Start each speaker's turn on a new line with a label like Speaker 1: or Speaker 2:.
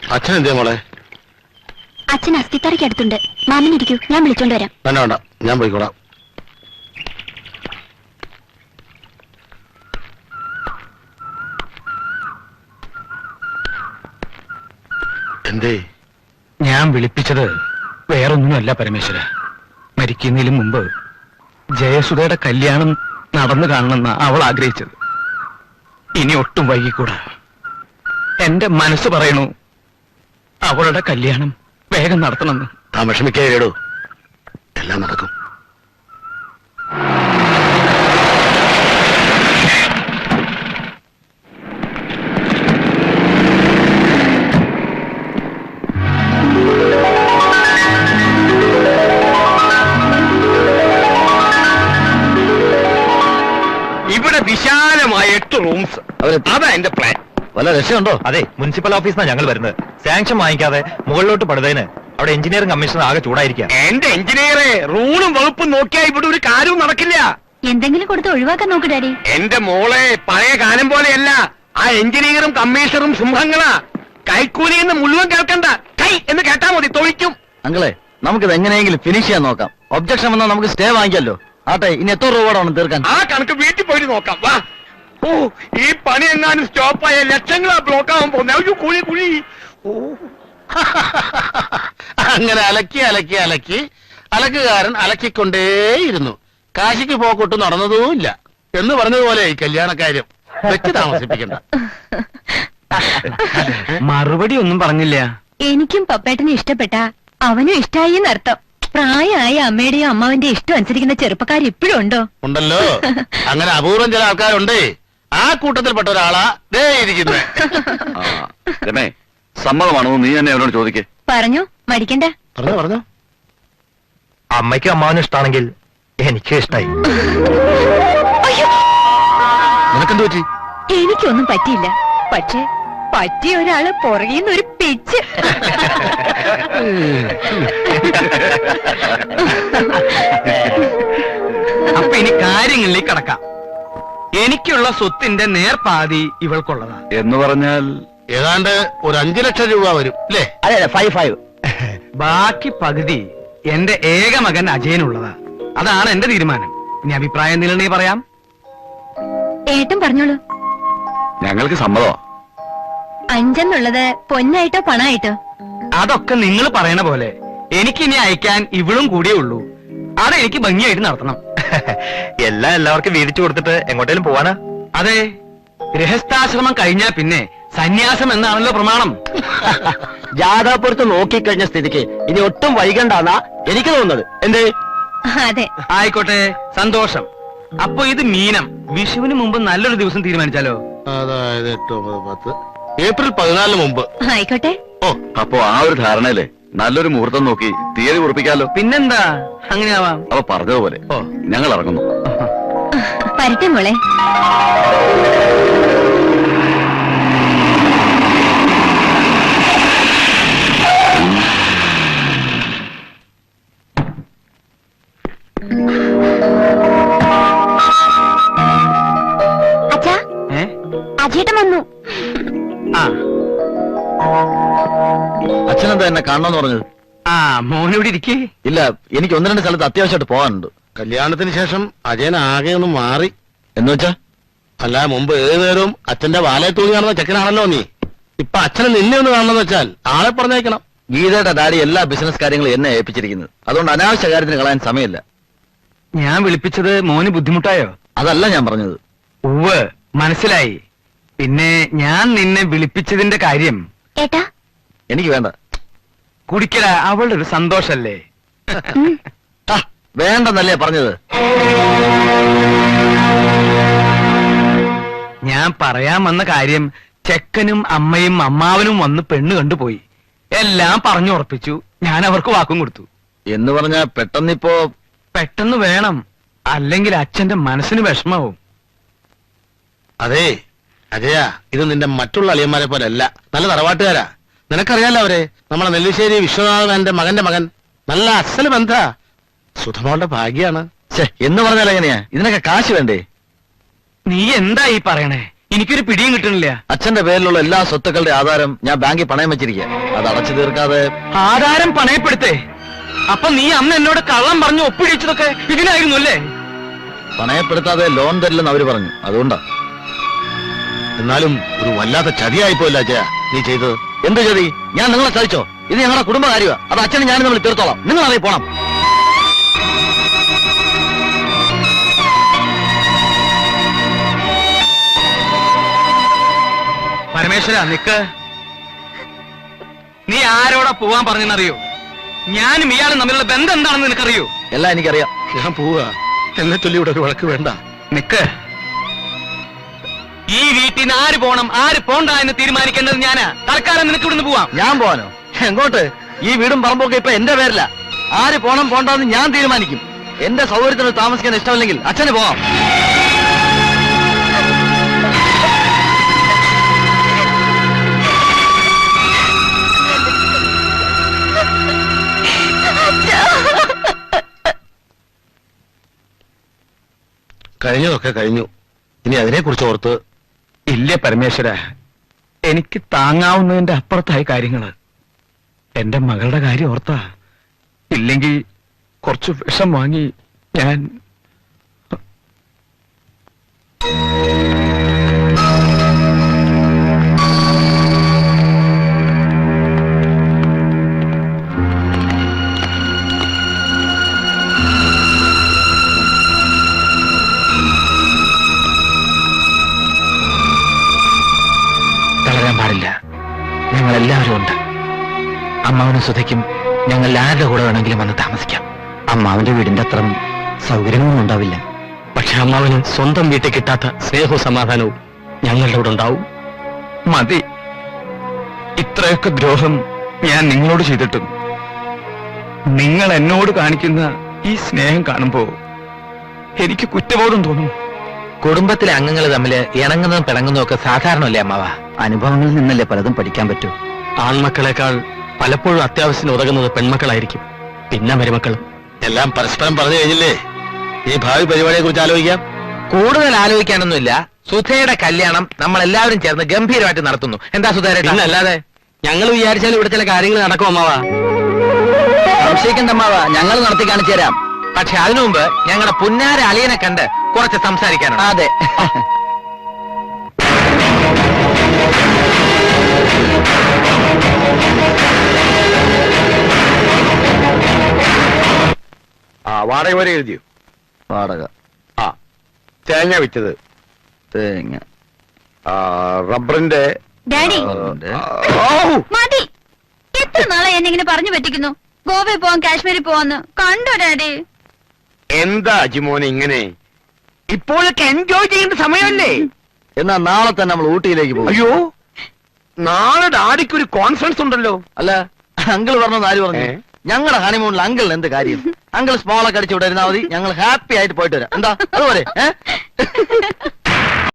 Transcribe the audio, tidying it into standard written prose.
Speaker 1: അച്ഛൻ എന്തേ മോളെ?
Speaker 2: അച്ഛൻ അസ്ഥിത്തറയ്ക്ക് അടുത്തുണ്ട്. മാമനിരിക്കൂ, ഞാൻ വിളിച്ചോണ്ട് വരാം.
Speaker 1: വേണ്ട വേണ്ട, ഞാൻ പോയിക്കോളാം. എന്തേ?
Speaker 3: ഞാൻ വിളിപ്പിച്ചത് വേറൊന്നുമല്ല പരമേശ്വര. മരിക്കുന്നതിന് മുമ്പ് ജയസുധയുടെ കല്യാണം നടന്നു കാണണമെന്ന് അവൾ ആഗ്രഹിച്ചത്. ഇനി ഒട്ടും വൈകിക്കൂടാ. എന്റെ മനസ്സ് പറയണു അവളുടെ കല്യാണം വേഗം നടത്തണമെന്ന്.
Speaker 1: താൻ വിഷമിക്കേടോ, എല്ലാം നടക്കും.
Speaker 3: ഇവിടെ വിശാലമായ 8 റൂംസ്. അതാ എന്റെ പ്ലാൻ.
Speaker 1: വല്ല രക്ഷയുണ്ടോ?
Speaker 4: അതെ, മുനിസിപ്പൽ ഓഫീസിനാണ് ഞങ്ങൾ വരുന്നത്. സാങ്ഷൻ വാങ്ങിക്കാതെ മുകളിലോട്ട് പടുതേന് അവിടെ എഞ്ചിനീയറിംഗ് കമ്മീഷണർ ആകെ ചൂടായിരിക്കാം.
Speaker 3: എന്റെ എഞ്ചിനീയറെ, റൂളും വകുപ്പും നോക്കിയാ ഇവിടെ ഒരു കാര്യവും നടക്കില്ല.
Speaker 2: എന്തെങ്കിലും കൊടുത്ത് ഒഴിവാക്കാൻ നോക്ക് ഡാഡി.
Speaker 3: എന്റെ മോളെ, പഴയ കാലം പോലെയല്ല. ആ എഞ്ചിനീയറും കമ്മീഷണറും സിംഹങ്ങളാ. കൈക്കൂലി എന്ന് മുഴുവൻ കേൾക്കണ്ട, കൈ എന്ന് കേട്ടാ മതി, തൊഴിക്കും.
Speaker 5: അങ്കിളെ, നമുക്കിത് എങ്ങനെയെങ്കിലും ഫിനിഷ് ചെയ്യാൻ നോക്കാം. ഒബ്ജക്ഷൻ വന്നാൽ നമുക്ക് സ്റ്റേ വാങ്ങിക്കാമല്ലോ. ആട്ടെ, ഇനി എത്ര രൂപ വേണം തീർക്കാൻ?
Speaker 3: ആ കണക്ക് വീട്ടിൽ പോയിട്ട് നോക്കാം. വാ. ഓ, ഈ പണി എങ്ങാനും സ്റ്റോപ്പായ ലക്ഷങ്ങളാ ബ്ലോക്ക് ആവാൻ പോകുന്നത്. കുഴി കുഴി. ഓ,
Speaker 1: അങ്ങനെ അലക്കി അലക്കി അലക്കി അലക്കുകാരൻ അലക്കിക്കൊണ്ടേയിരുന്നു. കാശിക്ക് പോക്കൊട്ടും നടന്നതുമില്ല എന്ന് പറഞ്ഞതുപോലെ ഈ കല്യാണക്കാര്യം വെച്ച് താമസിപ്പിക്കണ്ട.
Speaker 3: മറുപടി ഒന്നും പറഞ്ഞില്ല.
Speaker 2: എനിക്കും പപ്പേട്ടനെ ഇഷ്ടപ്പെട്ട അവനും ഇഷ്ടായി എന്നർത്ഥം. പ്രായമായ അമ്മയുടെയും അമ്മാവന്റെ ഇഷ്ടം അനുസരിക്കുന്ന ചെറുപ്പക്കാർ ഇപ്പോഴും ഉണ്ടോ?
Speaker 1: ഉണ്ടല്ലോ. അങ്ങനെ അപൂർവം ചില ആൾക്കാരുണ്ടേ. ആ കൂട്ടത്തിൽപ്പെട്ട ഒരാളാ ദേ ഇരിക്കുന്നത്.
Speaker 5: രമേ, സമ്മതമാണോ നീ തന്നെ അവനോട് ചോദിക്കേ?
Speaker 2: പറഞ്ഞു, മടിക്കണ്ട.
Speaker 1: പറഞ്ഞോ.
Speaker 4: അമ്മയ്ക്കും അമ്മാവനും ഇഷ്ടമാണെങ്കിൽ എനിക്കും ഇഷ്ടായി.
Speaker 1: നിനക്കെന്ത് പറ്റി?
Speaker 2: എനിക്കൊന്നും പറ്റിയില്ല. പക്ഷെ പറ്റിയ ഒരാള് പുറകിന്ന് ഒരു പിച്ച്.
Speaker 3: അപ്പൊ ഇനി കാര്യങ്ങളിലേക്ക് കടക്കാം. എനിക്കുള്ള സ്വത്തിന്റെ നേർപാതി ഇവൾക്കുള്ളതാ.
Speaker 5: എന്ന് പറഞ്ഞാൽ
Speaker 1: ഏതാണ്ട് ഒരു 5 ലക്ഷം രൂപ വരും അല്ലേ?
Speaker 5: അതെ 5.
Speaker 3: ബാക്കി പകുതി എന്റെ ഏക മകൻ അജയനുള്ളതാ. അതാണ് എന്റെ തീരുമാനം. ഇനി അഭിപ്രായം എന്തെങ്കിലും പറയാം.
Speaker 2: ഏട്ടൻ പറഞ്ഞോളൂ.
Speaker 5: ഞങ്ങൾക്ക് സമ്മതമാ.
Speaker 2: 5 എന്നുള്ളത് പൊന്നായിട്ടോ പണായിട്ടോ?
Speaker 3: അതൊക്കെ നിങ്ങൾ പറയണ പോലെ. എനിക്കിനി അയക്കാൻ ഇവളും കൂടിയേ ഉള്ളൂ. അതെനിക്ക് ഭംഗിയായിട്ട് നടത്തണം.
Speaker 4: എല്ലാം എല്ലാവർക്കും വീതിച്ചു കൊടുത്തിട്ട് എങ്ങോട്ടേലും പോവാനാ?
Speaker 3: അതെ, ഗൃഹസ്ഥാശ്രമം കഴിഞ്ഞാ പിന്നെ സന്യാസം എന്നാണല്ലോ പ്രമാണം.
Speaker 5: ജാഥാപുരത്ത് നോക്കിക്കഴിഞ്ഞ സ്ഥിതിക്ക് ഇനി ഒട്ടും വൈകണ്ടാന്നാ എനിക്ക് തോന്നുന്നത്. എന്തേ?
Speaker 2: അതെ,
Speaker 3: ആയിക്കോട്ടെ, സന്തോഷം. അപ്പൊ ഇത് മീനം. വിഷുവിന് മുമ്പ് നല്ലൊരു ദിവസം തീരുമാനിച്ചാലോ?
Speaker 1: അതായത് 8, 9, 10 ഏപ്രിൽ 14 മുമ്പ്.
Speaker 2: ആയിക്കോട്ടെ.
Speaker 5: ഓ, അപ്പൊ ആ ഒരു ധാരണയില്ലേ നല്ലൊരു മുഹൂർത്തം നോക്കി തീയതി ഉറപ്പിക്കാലോ.
Speaker 3: പിന്നെന്താ, അങ്ങനെയാവാം.
Speaker 5: അപ്പൊ പറഞ്ഞതുപോലെ ഞങ്ങൾ ഇറങ്ങുന്നു.
Speaker 2: വരട്ടെ മോളെ. അച്ഛാ, അജേട്ടൻ വന്നു.
Speaker 3: ആ,
Speaker 5: അച്ഛനെന്താ എന്നെ കാണണമെന്ന് പറഞ്ഞത്?
Speaker 3: ആ, മോനിവിടെ ഇരിക്കേ.
Speaker 5: ഇല്ല, എനിക്ക് 1-2 സ്ഥലത്ത് അത്യാവശ്യമായിട്ട് പോകാനുണ്ട്.
Speaker 1: കല്യാണത്തിന് ശേഷം അജയൻ ആകെ ഒന്ന് മാറി.
Speaker 5: എന്ന് വെച്ചാ?
Speaker 1: അല്ല, മുമ്പ് ഏത് നേരവും അച്ഛന്റെ വാലയെ തൂങ്ങി കാണുന്ന ചെക്കനാണല്ലോ നീ. ഇപ്പൊ അച്ഛനെ നിന്നെ ഒന്ന് കാണണമെന്ന് വെച്ചാൽ ആളെ പറഞ്ഞേക്കണം.
Speaker 5: ഗീതയുടെ ഡാഡി എല്ലാ ബിസിനസ് കാര്യങ്ങളും എന്നെ ഏൽപ്പിച്ചിരിക്കുന്നത്. അതുകൊണ്ട് അനാവശ്യ കാര്യത്തിന് കളയാൻ സമയമില്ല.
Speaker 3: ഞാൻ വിളിപ്പിച്ചത് മോന് ബുദ്ധിമുട്ടായോ?
Speaker 5: അതല്ല ഞാൻ പറഞ്ഞത്.
Speaker 3: ഉവ്വ്, മനസ്സിലായി. പിന്നെ ഞാൻ നിന്നെ വിളിപ്പിച്ചതിന്റെ കാര്യം?
Speaker 2: ഏട്ടാ,
Speaker 5: എനിക്ക് വേണ്ട.
Speaker 3: കുടിക്കല, അവളുടെ ഒരു സന്തോഷല്ലേ.
Speaker 5: വേണ്ടെന്നല്ലേ പറഞ്ഞത്?
Speaker 3: ഞാൻ പറയാൻ വന്ന കാര്യം, ചെക്കനും അമ്മയും അമ്മാവനും വന്ന് പെണ്ണ് കണ്ടുപോയി. എല്ലാം പറഞ്ഞുറപ്പിച്ചു. ഞാൻ അവർക്ക് വാക്കും കൊടുത്തു.
Speaker 5: എന്ന് പറഞ്ഞാ പെട്ടെന്നിപ്പോ?
Speaker 3: പെട്ടെന്ന് വേണം, അല്ലെങ്കിൽ അച്ഛന്റെ മനസ്സിന് വിഷമാവും.
Speaker 1: അതെ അജയ, ഇത് നിന്റെ മറ്റുള്ള അളിയന്മാരെ പോലെ അല്ല. നല്ല തറവാട്ടുകാരാ. നിനക്കറിയാലോ അവരെ. നമ്മളെ നെല്ലിശ്ശേരി വിശ്വനാഥന്റെ മകന്റെ മകൻ. നല്ല അസൽ ബന്ധ. സുധമോളുടെ ഭാഗ്യാണ്.
Speaker 5: എന്ന് പറഞ്ഞാൽ എങ്ങനെയാ? ഇതിനൊക്കെ കാശ് വേണ്ടേ?
Speaker 3: നീ എന്താ ഈ പറയണേ? എനിക്കൊരു പിടിയും കിട്ടണില്ല.
Speaker 5: അച്ഛന്റെ പേരിലുള്ള എല്ലാ സ്വത്തുക്കളുടെ ആധാരം ഞാൻ ബാങ്കിൽ പണയം വെച്ചിരിക്കുക. അത് അടച്ചു തീർക്കാതെ
Speaker 3: ആധാരം പണയപ്പെടുത്തേ? അപ്പൊ നീ അന്ന് എന്നോട് കള്ളം പറഞ്ഞു ഒപ്പിടിച്ചതൊക്കെ ഇതിനായിരുന്നു അല്ലേ?
Speaker 5: പണയപ്പെടുത്താതെ ലോൺ തരില്ലെന്ന് അവര് പറഞ്ഞു. അതുകൊണ്ടാ.
Speaker 1: എന്നാലും ഒരു വല്ലാത്ത ചതിയായിപ്പോയില്ല അജയ നീ ചെയ്തത്.
Speaker 5: എന്ത് ചതി? ഞാൻ നിങ്ങളെ ചതിച്ചോ? ഇത് ഞങ്ങളുടെ കുടുംബകാര്യമാണ്. അത് അച്ഛനും ഞാനും നമ്മൾ തീർത്തോളാം. നിങ്ങൾ അറിയി പോണം.
Speaker 3: പരമേശ്വര നിക്ക്. നീ ആരോടാ പോവാൻ പറഞ്ഞെന്നറിയോ? ഞാനും ഇയാളും തമ്മിലുള്ള ബന്ധം എന്താണെന്ന് നിനക്കറിയോ?
Speaker 5: എല്ലാം എനിക്കറിയാം.
Speaker 1: ഞാൻ പോവുക. എന്നെ ചൊല്ലി ഇവിടെ ഒരു വഴക്ക് വേണ്ട.
Speaker 3: നിക്ക്. ഈ വീട്ടിൽ നിന്ന് ആര് പോണം ആര് പോണ്ട എന്ന് തീരുമാനിക്കേണ്ടത് ഞാനാ. തൽക്കാലം നിനക്ക് ഇവിടുന്ന് പോവാം.
Speaker 5: ഞാൻ പോവാനോ? എങ്ങോട്ട്? ഈ വീടും പറമ്പൊക്കെ ഇപ്പൊ എന്റെ പേരില. ആര് പോണം പോണ്ടെന്ന് ഞാൻ തീരുമാനിക്കും. എന്റെ സൗകര്യത്തിന് താമസിക്കാൻ ഇഷ്ടമില്ലെങ്കിൽ അച്ഛന് പോവാം.
Speaker 1: കഴിഞ്ഞതൊക്കെ കഴിഞ്ഞു. ഇനി അതിനെക്കുറിച്ച് ഓർത്ത്
Speaker 3: ഇല്ല പരമേശ്വര, എനിക്ക് താങ്ങാവുന്നതിന്റെ അപ്പുറത്തായി കാര്യങ്ങള്. എന്റെ മകളുടെ കാര്യം ഓർത്താ. ഇല്ലെങ്കിൽ കുറച്ച് വിഷം വാങ്ങി ഞാൻ
Speaker 6: പാടില്ല. ഞങ്ങൾ എല്ലാവരും ഉണ്ട്. അമ്മാവനും സുധയ്ക്കും ഞങ്ങൾ ആരുടെ കൂടെ വേണമെങ്കിലും വന്ന് താമസിക്കാം. അമ്മാവന്റെ വീടിന്റെ അത്ര സൗകര്യങ്ങളൊന്നും ഉണ്ടാവില്ല.
Speaker 1: പക്ഷെ അമ്മാവന് സ്വന്തം വീട്ടിൽ കിട്ടാത്ത സ്നേഹവും സമാധാനവും ഞങ്ങളുടെ കൂടെ ഉണ്ടാവും.
Speaker 3: മതി. ഇത്രയൊക്കെ ദ്രോഹം ഞാൻ നിങ്ങളോട് ചെയ്തിട്ടും നിങ്ങൾ എന്നോട് കാണിക്കുന്ന ഈ സ്നേഹം കാണുമ്പോ എനിക്ക് കുറ്റബോധം തോന്നും.
Speaker 6: കുടുംബത്തിലെ അംഗങ്ങൾ തമ്മിൽ ഇണങ്ങുന്നതും പിണങ്ങുന്നതും ഒക്കെ സാധാരണയല്ലേ അമ്മാവ? അനുഭവങ്ങളിൽ നിന്നല്ലേ പലതും പഠിക്കാൻ പറ്റൂ.
Speaker 1: ആൺമക്കളെക്കാൾ പലപ്പോഴും അത്യാവശ്യത്തിന് ഉതകുന്നത് പെൺമക്കളായിരിക്കും. പിന്നെ മരുമക്കളും. എല്ലാം പരസ്പരം പറഞ്ഞു കഴിഞ്ഞില്ലേ? ഈ ഭാവി പരിപാടിയെ കുറിച്ച് ആലോചിക്കാം.
Speaker 6: കൂടുതൽ ആലോചിക്കാനൊന്നുമില്ല. സുധയുടെ കല്യാണം നമ്മൾ എല്ലാവരും ചേർന്ന് ഗംഭീരമായിട്ട് നടത്തുന്നു. എന്താ സുധേരേട്ടാ?
Speaker 1: അല്ലാതെ ഞങ്ങൾ വിചാരിച്ചാലും ഇവിടെ ചില കാര്യങ്ങൾ നടക്കും അമ്മാവാ.
Speaker 5: സംശയിക്കണ്ട അമ്മാവാ, ഞങ്ങൾ നടത്തി കാണിച്ചു തരാം.
Speaker 6: പക്ഷെ അതിനു മുമ്പ് ഞങ്ങളുടെ പുന്നാര അളിയനെ കണ്ട് കുറച്ച് സംസാരിക്കാനുണ്ട്.
Speaker 5: അതെ.
Speaker 3: വാടക വരെ എഴുതിയോ?
Speaker 5: വാടക,
Speaker 3: തേങ്ങ വിറ്റത്,
Speaker 5: തേങ്ങ,
Speaker 3: റബ്ബറിന്റെ
Speaker 2: ഡാഡി മതി. എത്ര നാളെ എന്നെ ഇങ്ങനെ പറഞ്ഞു പറ്റിക്കുന്നു? ഗോവയിൽ പോവാൻ കാശ്മീരിൽ പോവാന്ന് കണ്ടോ ഡാഡി?
Speaker 3: എന്താ അജിമോനെ ഇങ്ങനെ? ഇപ്പോഴൊക്കെ എൻജോയ് ചെയ്യേണ്ട സമയമല്ലേ?
Speaker 5: എന്നാ നാളെ തന്നെ നമ്മൾ ഊട്ടിയിലേക്ക് പോകും.
Speaker 3: അയ്യോ, നാളെ ഡാഡിക്ക് ഒരു കോൺഫറൻസ് ഉണ്ടല്ലോ.
Speaker 5: അല്ല, അങ്കിൾ പറഞ്ഞത് ആര് പറഞ്ഞു? ഞങ്ങളുടെ ഹണിമൂണിൽ അങ്കിൾ എന്ത് കാര്യം? അങ്കിൾ സ്മോളൊക്കെ അടിച്ചു വിടരുന്നാ മതി. ഞങ്ങൾ ഹാപ്പി ആയിട്ട് പോയിട്ട് വരാം. എന്താ അതുപോലെ?